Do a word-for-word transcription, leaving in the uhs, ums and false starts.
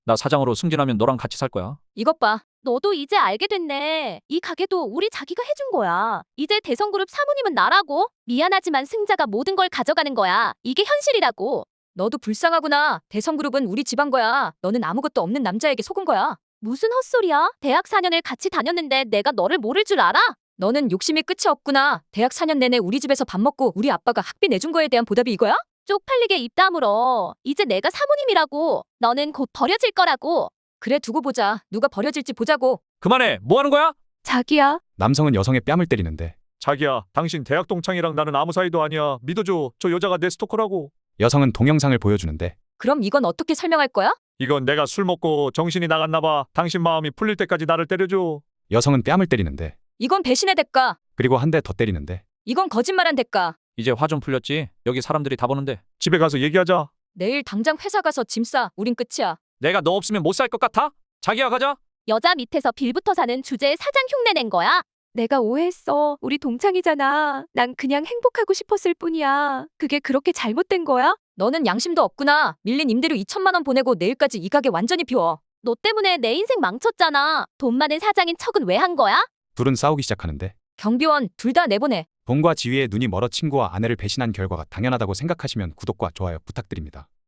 나 사장으로 승진하면 너랑 같이 살 거야. 이것 봐. 너도 이제 알게 됐네. 이 가게도 우리 자기가 해준 거야. 이제 대성그룹 사모님은 나라고. 미안하지만 승자가 모든 걸 가져가는 거야. 이게 현실이라고. 너도 불쌍하구나. 대성그룹은 우리 집안 거야. 너는 아무것도 없는 남자에게 속은 거야. 무슨 헛소리야? 대학 사 년을 같이 다녔는데 내가 너를 모를 줄 알아? 너는 욕심이 끝이 없구나. 대학 사 년 내내 우리 집에서 밥 먹고 우리 아빠가 학비 내준 거에 대한 보답이 이거야? 쪽팔리게 입 다물어. 이제 내가 사모님이라고. 너는 곧 버려질 거라고. 그래 두고 보자. 누가 버려질지 보자고. 그만해. 뭐 하는 거야? 자기야. 남성은 여성의 뺨을 때리는데 자기야, 당신 대학 동창이랑 나는 아무 사이도 아니야. 믿어줘. 저 여자가 내 스토커라고. 여성은 동영상을 보여주는데 그럼 이건 어떻게 설명할 거야? 이건 내가 술 먹고 정신이 나갔나 봐. 당신 마음이 풀릴 때까지 나를 때려줘. 여성은 뺨을 때리는데 이건 배신의 대가. 그리고 한 대 더 때리는데 이건 거짓말한 대가. 이제 화 좀 풀렸지? 여기 사람들이 다 보는데. 집에 가서 얘기하자. 내일 당장 회사 가서 짐 싸. 우린 끝이야. 내가 너 없으면 못 살 것 같아? 자기야 가자. 여자 밑에서 빌부터 사는 주제에 사장 흉내 낸 거야? 내가 오해했어. 우리 동창이잖아. 난 그냥 행복하고 싶었을 뿐이야. 그게 그렇게 잘못된 거야? 너는 양심도 없구나. 밀린 임대료 이천만 원 보내고 내일까지 이 가게 완전히 비워. 너 때문에 내 인생 망쳤잖아. 돈 많은 사장인 척은 왜 한 거야? 둘은 싸우기 시작하는데 경비원 둘 다 내보내. 돈과 지위에 눈이 멀어 친구와 아내를 배신한 결과가 당연하다고 생각하시면 구독과 좋아요 부탁드립니다.